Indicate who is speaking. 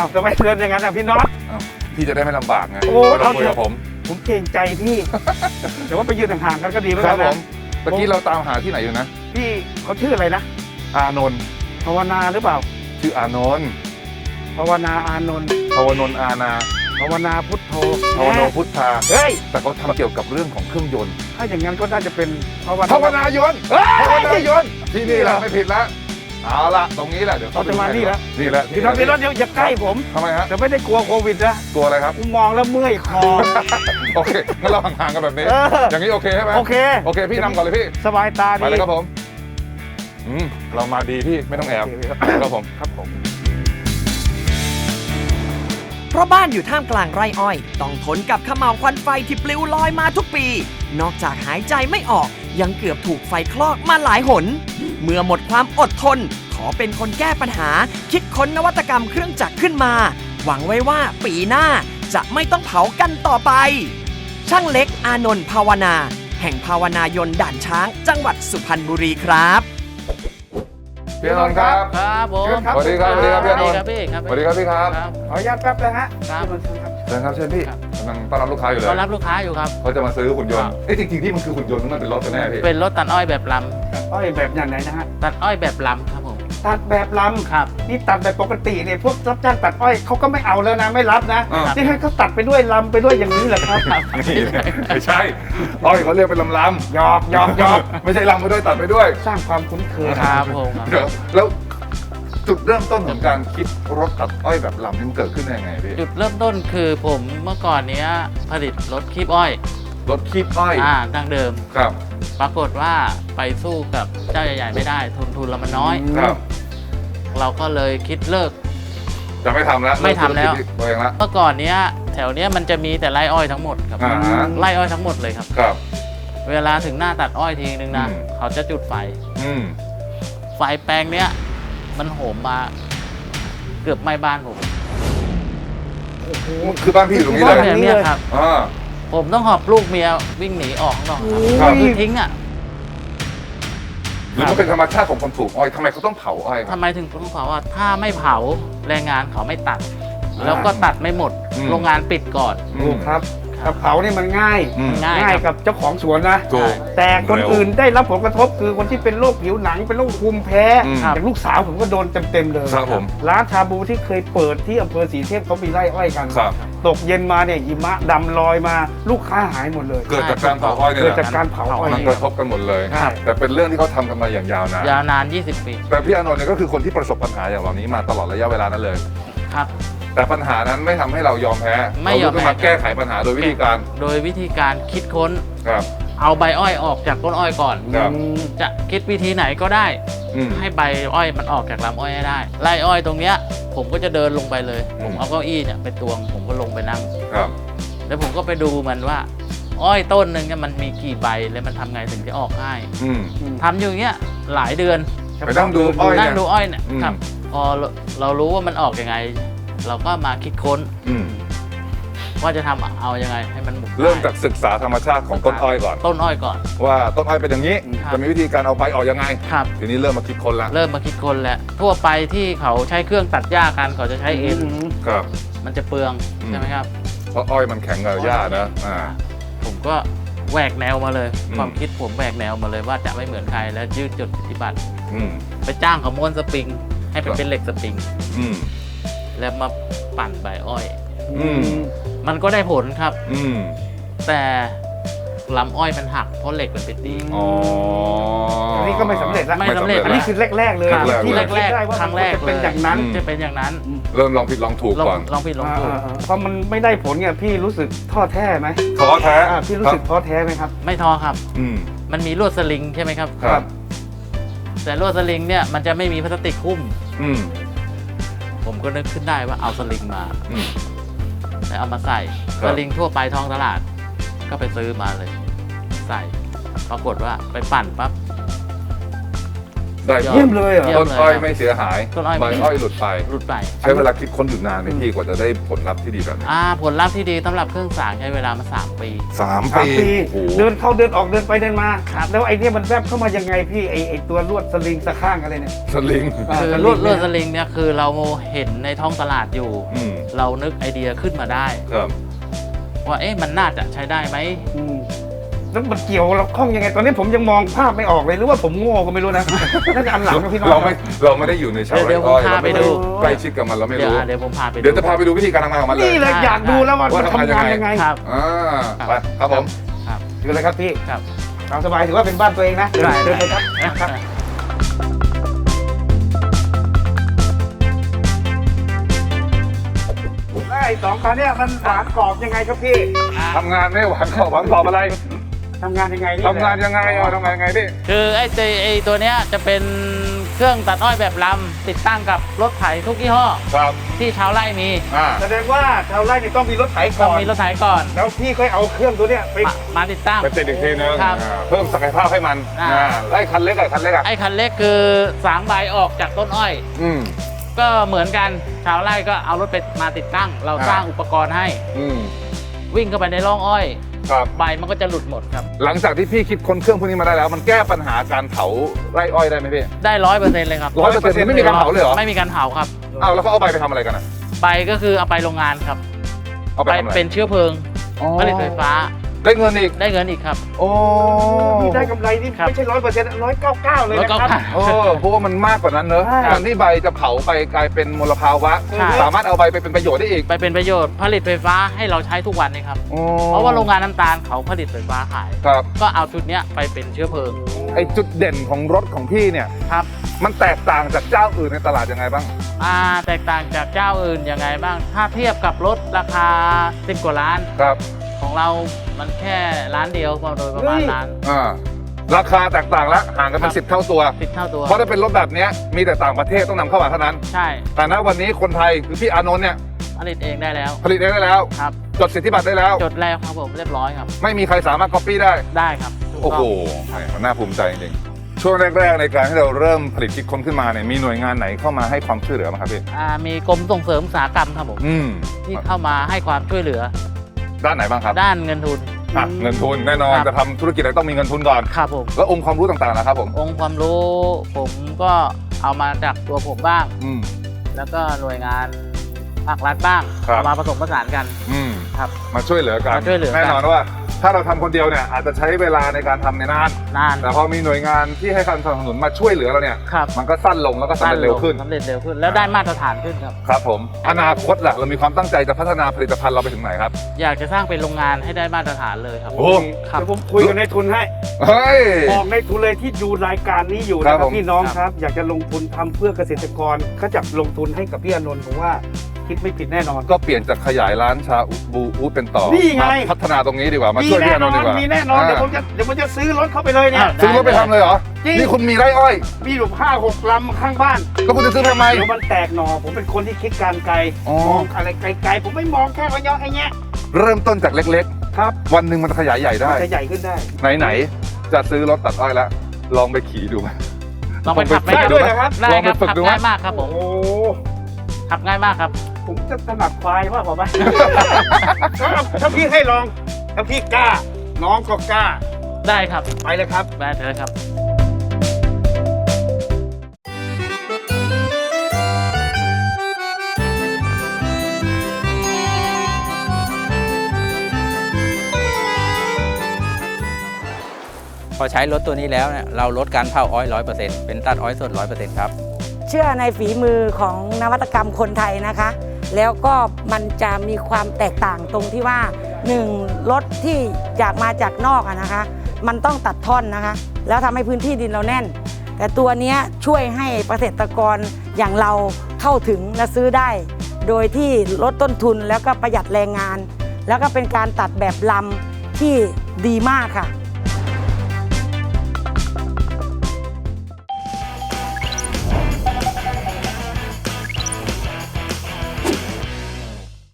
Speaker 1: าวทำไมเตือนอย่างนั้นอ่ะพี่น็อต
Speaker 2: อ้าวพี่จะได้ไม่ลำบากไง
Speaker 1: โอ้
Speaker 2: เราคุยกับผม
Speaker 1: ผมเกรงใจพี่ แต่ว่าไปยืนห่างๆกันก็ดีเหมือน
Speaker 2: ค
Speaker 1: กั
Speaker 2: รั
Speaker 1: น
Speaker 2: บผ
Speaker 1: นะ
Speaker 2: มเมื่อกี้เราตามหาที่ไหนอยู่นะ
Speaker 1: พี่เขาชื่ออะไรนะ
Speaker 2: อานนท์
Speaker 1: ภาวนาหรือเปล่า
Speaker 2: ชื่ออานนท์
Speaker 1: ภาวนาอานนท์
Speaker 2: ภาวนนท์อาณา
Speaker 1: ภาวนาพุทโธ
Speaker 2: ภาวโนพุทธา
Speaker 1: เฮ้ย
Speaker 2: แต่เขาทำเกี่ยวกับเรื่องของเครื่องยนต์
Speaker 1: ถ้าอย่างนั้นก็น่าจะเป็นภาวนา
Speaker 2: ภาวนายนต์
Speaker 1: เฮ้ย
Speaker 2: ภาวนายนต์ที่นี่แหละไม่ผิดละเอาละตรงนี้แหละเดี๋ยว
Speaker 1: เราจะมานี่แล้ว
Speaker 2: นี่แหละ
Speaker 1: พี่น็อตอย่าใกล้ผม
Speaker 2: ทำไมฮะ
Speaker 1: แต่ไม่ได้กลัวโควิดนะ
Speaker 2: ตัวอะไรครับ
Speaker 1: กูมองแล้วเมื่อยคอ
Speaker 2: โอเคงั้นเราห่างๆกันแบบนี้
Speaker 1: เออ
Speaker 2: อย่างนี้โอเคใช่ไหม
Speaker 1: โอเค
Speaker 2: โอเคพี่นำก่อนเลยพี่
Speaker 1: สบายตา
Speaker 2: ไป
Speaker 1: ดี
Speaker 2: เลยครับผมเรามาดีพี่ไม่ต้องแอบ
Speaker 1: โเคครับ
Speaker 2: ครับผม
Speaker 1: ครับผม
Speaker 3: เพราะบ้านอยู่ท่ามกลางไร่อ้อย ต้องทนกับเขม่าวควันไฟที่ปลิวลอยมาทุกปี นอกจากหายใจไม่ออกยังเกือบถูกไฟคลอกมาหลายหน เมื่อหมดความอดทน ขอเป็นคนแก้ปัญหา คิดค้นนวัตกรรมเครื่องจักรขึ้นมา หวังไว้ว่าปีหน้าจะไม่ต้องเผากันต่อไป ช่างเล็กอานนท์ภาวนา แห่งภาวนายนต์ด่านช้าง จังหวัดสุพรรณบุรีครับ
Speaker 2: พี่อานนท์ครับ
Speaker 4: ครับผม
Speaker 1: เชิญครับ
Speaker 2: สวัสดีครับสวัสดีครับพี่อานนท์
Speaker 4: ครับพี่ครับ
Speaker 2: สวัสดีครับพี่ครับ
Speaker 4: ครับ
Speaker 1: ขออนุญาตแป๊บนะฮะ
Speaker 4: ครับ
Speaker 2: เชิญครับเชิญพี่
Speaker 4: ครับ
Speaker 2: กำลังต้อนรับลูกค้าอยู่เลย
Speaker 4: ต้อนรับลูกค้าอยู่ครับ
Speaker 2: เขาจะมาซื้อหุ่นยน
Speaker 4: ครั
Speaker 2: ต์
Speaker 4: บ
Speaker 2: เอ้ยจริงๆที่มันคือหุ่นยนต์หรือมันเป็นรถกันแน่พี่
Speaker 4: เป็นรถตัดอ้อยแบบล
Speaker 1: อ้อยแบบอย่างไหนนะฮะ
Speaker 4: ำตัดอ้อยแบบลำครับผม
Speaker 1: ตัดแบบล
Speaker 4: ครับ
Speaker 1: ำนี่ตัดแบบปกติเนี่ยพวกรับจ้างตัดอ้อยเขาก็ไม่เอาแล้วนะไม่รับนะ
Speaker 2: อ่า
Speaker 1: นี่ให้เขาตัดไปด้วยลำไปด้วยอย่างนี้แหละครับ
Speaker 2: นี่ไม่ใช่อ้อยเขาเรียกเป็นลำ
Speaker 1: หยอกหยอกหยอก
Speaker 2: ๆไม่ใช่ลำไปด้วยตัดไปด้วย
Speaker 1: สร้างความคุ้นเคย
Speaker 4: ครับผม
Speaker 2: เดี๋ยวแล้วจุดเริ่มต้นของการคิดรถตัดอ้อยแบบลำนี่มันเกิดขึ้นได้ยังไงพี่
Speaker 4: จุดเริ่มต้นคือผมเมื่อก่อนเนี้ยผลิตรถคีบอ้อย
Speaker 2: รถคีบอ้อย
Speaker 4: ดั้งเดิม
Speaker 2: ครับ
Speaker 4: ปรากฏว่าไปสู้กับเจ้าใหญ่ๆไม่ได้ทุนเรามันน้อย
Speaker 2: ครับ
Speaker 4: เราก็เลยคิดเลิก
Speaker 2: จะไม่ทำแล้ว
Speaker 4: ไม่ทำแล้ว
Speaker 2: เริ่มธุรกิจตัวเองละ
Speaker 4: เมื่อก่อนเนี้ยแถวเนี้ยมันจะมีแต่ไร่อ้อยทั้งหมดครับ
Speaker 2: อ่าฮะ
Speaker 4: ไร่อ้อยทั้งหมดเลยครับ
Speaker 2: ครับ
Speaker 4: เวลาถึงหน้าตัดอ้อยทีนึงนะ
Speaker 2: อืม
Speaker 4: เขาจะจุดไฟ
Speaker 2: อืม
Speaker 4: ไฟแปลงเนี้ยมันโหมมาเกือบไหม้บ้านผม
Speaker 2: คือบ้านพี่อยู่ตรงนี้
Speaker 4: บ้าน
Speaker 2: เลย
Speaker 4: เนี่ยครับ
Speaker 2: อ่า
Speaker 4: ผมต้องหอบลูกเมียวิ่งหนีออกข้างนอกครับ
Speaker 2: ครับ
Speaker 4: คือทิ้งอ่ะ
Speaker 2: หรือมันเป็นธรรมชาติของคนปลูกอ้อยทำไมเขาต้องเผาอ้อยครั
Speaker 4: ทำ
Speaker 2: บ
Speaker 4: ไมถึงต้องเผาว่าถ้าไม่เผาแรงงานเขาไม่ตัด แล้วก็ตัดไม่หมด
Speaker 2: อืม
Speaker 4: โรงงานปิดก่อน
Speaker 2: อื
Speaker 1: ถู
Speaker 2: ม
Speaker 1: กครับกระเผานี่มันง่าย
Speaker 2: อืม
Speaker 4: ง่าย
Speaker 1: ง่าย
Speaker 4: ค
Speaker 1: กั
Speaker 4: รั
Speaker 1: บบ เจ้าของสวนนะ
Speaker 2: ถูก
Speaker 1: แต่คน
Speaker 2: เร็ว
Speaker 1: อื่นได้รับผลกระทบคือคนที่เป็นโรคผิวหนังเป็นโรคภูมิแพ้
Speaker 2: อืม
Speaker 1: อย่างลูกสาวผมก็โดนเต็มๆเลย
Speaker 2: ครับผม
Speaker 1: ร้านชาบูที่เคยเปิดที่อำเภอศรีเทพเขามีไร่อ้อยกัน
Speaker 2: ครับ
Speaker 1: ตกเย็นมาเนี่ยหิมะดำลอยมาลูกค้าหายหมดเลย
Speaker 2: เกิดจากการเผาอ้อยเนี่ย
Speaker 1: เกิด
Speaker 2: แห
Speaker 1: จาก
Speaker 2: ละ
Speaker 1: การเผาอ้อย
Speaker 2: มันกระทบกันหมดเลย
Speaker 1: ครับ
Speaker 2: แต่เป็นเรื่องที่เขาทำกันมาอย่างยาวนาน
Speaker 4: ยาวนาน 20 ปี
Speaker 2: แต่พี่อานนท์เนี่ยก็คือคนที่ประสบปัญหาอย่างเหล่านี้มาตลอดระยะเวลานั้นเลย
Speaker 4: ครับ
Speaker 2: แต่ปัญหานั้นไม่ทำให้เรายอมแพ้
Speaker 4: ไม่ยอมแพ้
Speaker 2: เราต้องมาแก้ไขปัญหาโดยวิธีการ
Speaker 4: โดยวิธีการคิดค้น
Speaker 2: ครับ
Speaker 4: เอาใบอ้อยออกจากต้นอ้อยก่อน
Speaker 2: ครับ
Speaker 4: จะคิดวิธีไหนก็ได้
Speaker 2: อืม
Speaker 4: ให้ใบอ้อยมันออกจากลำอ้อยให้ได้ไร่อ้อยตรงเนี้ยผมก็จะเดินลงไปเลย
Speaker 2: อืม
Speaker 4: ผมเอาเก้าอี้เนี่ยไปตวงผมก็ลงไปนั่ง
Speaker 2: ครับ
Speaker 4: แล้วผมก็ไปดูมันว่า อ้อยต้นหนึ่งเนี่ยมันมีกี่ใบแล้วมันทำไงถึงจะออกง่าย
Speaker 2: อืม
Speaker 4: ทำอยู่อย่างเงี้ยหลายเดือน
Speaker 2: ไปนั่งดูอ้อย
Speaker 4: นั่
Speaker 2: เนี่
Speaker 4: ง
Speaker 2: ย
Speaker 4: ดูอ้อยเนี่ย
Speaker 2: อืม
Speaker 4: ครับ พอเรารู้ว่ามันออกยังไง เราก็มาคิดค้น
Speaker 2: อืม
Speaker 4: ว่าจะทำเอายังไงให้มันหมุน
Speaker 2: เริ่ม
Speaker 4: ได้
Speaker 2: จากศึกษาธรรมชาติของต้นอ้อยก่อน
Speaker 4: ต้นอ้อยก่อน
Speaker 2: ว่าต้นอ้อยเป็นอย่างนี้
Speaker 4: ครับ
Speaker 2: จะมีวิธีการเอาใบออกยังไง
Speaker 4: ครับ
Speaker 2: ทีนี้เริ่มมาคิดคนละ
Speaker 4: เริ่มมาคิดค้นแล้วทั่วไปที่เขาใช้เครื่องตัดหญ้ากันเขาจะใช้เอ็น
Speaker 2: ครับ
Speaker 4: มันจะเปลือง
Speaker 2: อืม
Speaker 4: ใช่ไหมครับ
Speaker 2: เพราะอ้อยมันแข็งกับหญ้านะ
Speaker 4: ผมก็แหวกแนวมาเลย
Speaker 2: อืม
Speaker 4: ความคิดผมแหวกแนวมาเลยว่าจะไม่เหมือนใครแล้วยืดจุดปฏิบัติ
Speaker 2: อืม
Speaker 4: ไปจ้างเขาม้วนสปริง ให้
Speaker 2: ครับ
Speaker 4: เป็นเหล็กสปริง
Speaker 2: อืม
Speaker 4: แล้วมาปั่นใบอ้อย
Speaker 2: อืม
Speaker 4: มันก็ได้ผลครับ
Speaker 2: อืม
Speaker 4: แต่ลำอ้อยมันหักเพราะเหล็กมันเป็นดี
Speaker 2: อ๋อ
Speaker 1: อันนี้ก็ไม่สำเร็จละ
Speaker 4: ไม่สำเร็จ
Speaker 1: อันนี้คือแรกๆเลย
Speaker 2: ครับ
Speaker 1: ที่เราคิดได้ว่า
Speaker 4: ครั้งแรก
Speaker 1: จะเป็นอย่างนั้น
Speaker 2: อืม
Speaker 4: จะเป็นอย่างนั้น
Speaker 2: เริ่มลองผิดลองถูกก่อน
Speaker 4: ลองผิดลองถูก
Speaker 1: พอมันไม่ได้ผลเนี่ยพี่รู้สึกท้อแท้ไหม
Speaker 2: ท้อแท้
Speaker 1: พี่รู้สึกท้อแท้ไหมครับ
Speaker 4: ไม่ท้อครับ
Speaker 2: อืม
Speaker 4: มันมีลวดสลิงใช่ไหมครับ
Speaker 2: ครับ
Speaker 4: แต่ลวดสลิงเนี่ยมันจะไม่มีพลาสติกหุ้ม
Speaker 2: อืม
Speaker 4: ผมก็นึกขึ้นได้ว่าเอาสลิงมา
Speaker 2: อืม
Speaker 4: แล้วเอามาใส่
Speaker 2: ครั
Speaker 4: ส
Speaker 2: บ
Speaker 4: ลิงทั่วไปท้องตลาด ก็ไปซื้อมาเลย ใส่ ปรากฏว่าไปปั่นปั๊บ
Speaker 2: ได้
Speaker 1: เยี่ยมเลยเหรอ
Speaker 2: ต้นอ้อยไม่เสียหาย
Speaker 4: ต้นอ้อย
Speaker 2: ใบอ้อยหลุดไป
Speaker 4: รุดไป
Speaker 2: ใช้เวลาคิดค้นอยู่นานไหมพี่กว่าจะได้ผลลัพธ์ที่ดีแบบนี้
Speaker 4: ผลลัพธ์ที่ดีสำหรับเครื่องสางใช้เวลามา 3 ปี
Speaker 2: 3
Speaker 1: 3
Speaker 2: ปี
Speaker 1: ปี
Speaker 2: โอ้โห
Speaker 1: เดินเข้าเดินออกเดินไปเดินมา
Speaker 4: ครับ
Speaker 1: แล้วไอ้เนี่ยมันแวบเข้ามายังไงพี่ไอ้ตัวลวดสลิงสะข้างอะไรเนี่ย
Speaker 2: สลิง
Speaker 4: คือ
Speaker 1: แต่
Speaker 4: ลวด
Speaker 1: เนี่ย
Speaker 4: สลิงเนี่ยคือเราเห็นในท้องตลาดอยู่
Speaker 2: อืม
Speaker 4: เรานึกไอเดียขึ้นมาได้
Speaker 2: ครับ
Speaker 4: ว่ามันน่าจะใช้ได้ไหม
Speaker 1: อืมแล้วมันเกี่ยวเราคล้องยังไงตอนนี้ผมยังมองภาพไม่ออกเลยหรือว่าผมโง่ก็ไม่รู้นะ น่าจะอันหลังนะพี่น้อง
Speaker 2: เราไม่ได้อยู่ในชาวไร่อ้อยเราไม่ได้
Speaker 4: เดี๋ยวผมพาไปดู
Speaker 2: ใกล้ชิดกับมันเราไม่รู้
Speaker 4: เดี๋ยวผมพาไปดู
Speaker 2: เดี๋ยวจะพาไปดูวิธีการทำงานของมันเลย
Speaker 1: นี่เลยอยากดูแล้วว่ามันทำงานยังไง
Speaker 4: ครับ
Speaker 2: ไปครับผม
Speaker 4: ครับ
Speaker 1: ดูเลยครับพี่
Speaker 4: ครับ
Speaker 1: ตามสบายถือว่าเป็นบ้านตัวเองนะเดินไปครับครับแล้วไอ้สองคันเนี่ยมันหวานกรอบยังไงครับพี่
Speaker 2: ทำงานไม่หวานขอบหวานขอบอะไร
Speaker 1: ทำงานยังไงนี่
Speaker 2: ทำงานยังไงทำงานยังไงพี่
Speaker 4: คือไอ้ตัวเนี้ยจะเป็นเครื่องตัดอ้อยแบบลำติดตั้งกับรถไถทุกยี่ห้อ
Speaker 2: ครับ
Speaker 4: ที่ชาวไร่มี
Speaker 1: แสดงว่าชาวไร่นี่ต้องมีรถไถ
Speaker 4: ต้
Speaker 1: ก่
Speaker 4: อง
Speaker 1: อน
Speaker 4: มีรถไถก่อน
Speaker 1: แล้วพี่ค่อยเอาเครื่องตัวเนี้ยไป
Speaker 4: มาติดตั้ง
Speaker 2: ไปติดอีกทีนึง
Speaker 4: ครับ
Speaker 2: เพิ่มศักยภาพให้มัน ไล่คันเล็กคันเล็ก
Speaker 4: ไอ้คันเล็กคือสางใบออกจากต้นอ้อย
Speaker 2: อืม
Speaker 4: ก็เหมือนกันชาวไร่ก็เอารถไปมาติดตั้ง เราสร้างอุปกรณ์ให้
Speaker 2: อืม
Speaker 4: วิ่งเข้าไปในร่องอ้อย
Speaker 2: ครับ
Speaker 4: ใบมันก็จะหลุดหมดครับ
Speaker 2: หลังจากที่พี่คิดค้นเครื่องพวกนี้มาได้แล้ว มันแก้ปัญหาการเผาไร่อ้อยได้ไหมพี่
Speaker 4: ได้ 100%เลยครับ
Speaker 2: 100%ไม่มีการเผาเลยเหรอ
Speaker 4: ไม่มีการเผาครับ
Speaker 2: อ้าวแล้วเขาเอาใบไปทำอะไรกันอ่ะ
Speaker 4: ใบก็คือเอาไปโรงงานครับ
Speaker 2: เอาไป
Speaker 4: ไป
Speaker 2: ทำอะไร
Speaker 4: เป็นเชื้อเพลิง
Speaker 2: อ๋อ
Speaker 4: ผลิตไฟฟ้า
Speaker 2: ได้เงินอีก
Speaker 4: ได้เงินอีกครับ
Speaker 2: โอ้
Speaker 1: พี่ได้กำไรนี่
Speaker 4: ครับ
Speaker 1: ไม่ใช่100%199เลยนะครับ
Speaker 2: โอ้เพราะว่ามันมากกว่านั้นเนอะ
Speaker 1: ใช่
Speaker 2: การที่ใบจะเผาไปกลายเป็นมลภาวะ
Speaker 4: ใช่
Speaker 2: สามารถเอาใบไปเป็นประโยชน์ได้อีก
Speaker 4: ไปเป็นประโยชน์ผลิตไฟฟ้าให้เราใช้ทุกวันนี่ครับ
Speaker 2: โอ้
Speaker 4: เพราะว่าโรงงานน้ำตาลเขาผลิตไฟฟ้าขาย
Speaker 2: ครับ
Speaker 4: ก็เอาชุดเนี้ยไปเป็นเชื้อเพลิง
Speaker 2: ไอจุดเด่นของรถของพี่เนี่ย
Speaker 4: ครับ
Speaker 2: มันแตกต่างจากเจ้าอื่นในตลาดยังไงบ้าง
Speaker 4: แตกต่างจากเจ้าอื่นยังไงบ้าง ถ้าเทียบกับรถราคา10 กว่าล้าน
Speaker 2: ครับ
Speaker 4: ของเรามันแค่ล้านเดียวโดยประมาณล้าน
Speaker 2: ราคาแตกต่างแล้วห่างกันเป็น
Speaker 4: ครับ
Speaker 2: 10 เท่าตัว
Speaker 4: 10 เท่าตัว
Speaker 2: เพราะถ้าเป็นรถแบบเนี้ยมีแต่ต่างประเทศต้องนำเข้ามาเท่านั้น
Speaker 4: ใช่
Speaker 2: แต่ณวันนี้คนไทยคือพี่อานนท์เนี่ย
Speaker 4: ผลิตเองได้แล้ว
Speaker 2: ผลิตเองได้แล้ว
Speaker 4: ครับ
Speaker 2: จดสิทธิบัตรได้แล้ว
Speaker 4: จดแล้วครับผมเรียบร้อยครับ
Speaker 2: ไม่มีใครสามารถ copy ได้
Speaker 4: ได้ครับถูก
Speaker 2: โอ้
Speaker 4: ต้
Speaker 2: โห
Speaker 4: ง
Speaker 2: มันน่าภูมิใจจริงๆช่วงแรกๆในการที่เราเริ่มผลิตคิดค้นขึ้นมาเนี่ยมีหน่วยงานไหนเข้ามาให้ความช่วยเหลือบ้างครับพี่
Speaker 4: มีกรมส่งเสริมอุตสาหกรรมครับผม
Speaker 2: อืม
Speaker 4: ที่เข้ามาให้ความช่วยเหลือ
Speaker 2: ด้านไหนบ้างครับ
Speaker 4: ด้านเงินทุน
Speaker 2: เงินทุนแน่นอน
Speaker 4: ครับ
Speaker 2: จะทำธุรกิจอะไรต้องมีเงินทุนก่อน
Speaker 4: ครับผม
Speaker 2: แล้วองค์ความรู้ต่างๆนะครับผม
Speaker 4: องค์ความรู้ผมก็เอามาจากตัวผมบ้าง
Speaker 2: อืม
Speaker 4: แล้วก็หน่วยงานภาครัฐบ้าง
Speaker 2: ครับ
Speaker 4: เอามาผสมผสานกัน
Speaker 2: อืม
Speaker 4: ครับ
Speaker 2: มาช่วยเหลือกัน
Speaker 4: มาช่วยเหลือกัน
Speaker 2: แน่นอนว่าถ้าเราทำคนเดียวเนี่ยอาจจะใช้เวลาในการทำในนาน
Speaker 4: นาน
Speaker 2: แต่พอมีหน่วยงานที่ให้การสนับสนุนมาช่วยเหลือเราเนี่ย
Speaker 4: ครับ
Speaker 2: มันก็สั้นลงแล้วก็สำเร็จเร็วขึ้น
Speaker 4: สำเร็จเร็วขึ้น แล้วได้มาตรฐานขึ้นครับ
Speaker 2: ครับผมอนาคตล่ะเรามีความตั้งใจจะพัฒนาผลิตภัณฑ์เราไปถึงไหนครับ
Speaker 4: อยากจะสร้างเป็นโรงงานให้ได้มาตรฐานเลยครับ
Speaker 2: โอ้
Speaker 4: ครับ
Speaker 1: เดี๋ยวผมคุยกับนายทุนให้
Speaker 2: เฮ้ย
Speaker 1: บอกนายทุนเลยที่ดูรายการนี้อยู่
Speaker 2: ครั
Speaker 1: นะ
Speaker 2: บ
Speaker 1: ครับ
Speaker 2: ผม
Speaker 1: พี่น้องครับ อยากจะลงทุนทำเพื่อเกษตรกรเขาจะลงทุนให้กับพี่อานนท์ผมว่าคิดไม่ผิดแน่นอน
Speaker 2: ก็เปลี่ยนจากขยายร้านชาบูอูดเป็นต่อ
Speaker 1: นี่ไง
Speaker 2: มาพัฒนาตรงนี้ดีกว่ามา
Speaker 1: มี
Speaker 2: ช่วยพี่
Speaker 1: แน่
Speaker 2: อาน
Speaker 1: นอน
Speaker 2: ท์ดีกว่า
Speaker 1: มีแน่นอน
Speaker 2: า
Speaker 1: เดี๋ยวผมจะซื้อรถเข้าไปเลยเนี่ย
Speaker 2: ซื้อรถไปทำเลยเหรอ
Speaker 1: จริง
Speaker 2: นี่คุณมีไร่อ้อย
Speaker 1: มีอยู่5-6 ลำข้างบ้าน
Speaker 2: ก็คุณจะซื้อทำไม
Speaker 1: เดี๋ยวมันแตกหน่อผมเป็นคนที่คิดการไกล
Speaker 2: อ๋อ
Speaker 1: มองอะไรไกลๆผมไม่มองแค่ระยะไอ้เงี้ย
Speaker 2: เริ่มต้นจากเล็ก
Speaker 1: ครับ
Speaker 2: ๆ วันหนึ่งมันจะขยายใหญ่ได้
Speaker 1: มันจะใหญ่ขึ้นได้
Speaker 2: ไหนๆจะซื้อรถตัดอ้อยแล้วลองไปขี่ดูไหม
Speaker 4: ลองไปขับ
Speaker 1: ได้ด้วยนะครับ
Speaker 4: ได้ครับ
Speaker 2: ลองไปฝึก
Speaker 4: ขับ
Speaker 2: ดูไหม
Speaker 4: ง่ายมากครับผม
Speaker 1: โอ้
Speaker 4: ขับง่ายมากครับ
Speaker 1: ผมจะถนัดควายว่าผมไหม ถ้าพี่ให้ลอง ถ้าพี่กล้า น้องก็กล้า
Speaker 4: ได้ครับ
Speaker 1: ไปเลยครับ
Speaker 4: ได้เลยครับ
Speaker 5: พอใช้รถตัวนี้แล้วเนี่ยเราลดการเผาอ้อย 100%เป็นตัดอ้อยสด 100% ครับ
Speaker 6: เชื่อในฝีมือของนวัตกรรมคนไทยนะคะ แล้วก็มันจะมีความแตกต่างตรงที่ว่า 1. รถที่มาจากนอกอะนะคะ มันต้องตัดท่อนนะคะ แล้วทำให้พื้นที่ดินเราแน่น แต่ตัวเนี้ยช่วยให้เกษตรกรอย่างเราเข้าถึงและซื้อได้ โดยที่ลดต้นทุนแล้วก็ประหยัดแรงงาน แล้วก็เป็นการตัดแบบลำที่ดีมากค่ะ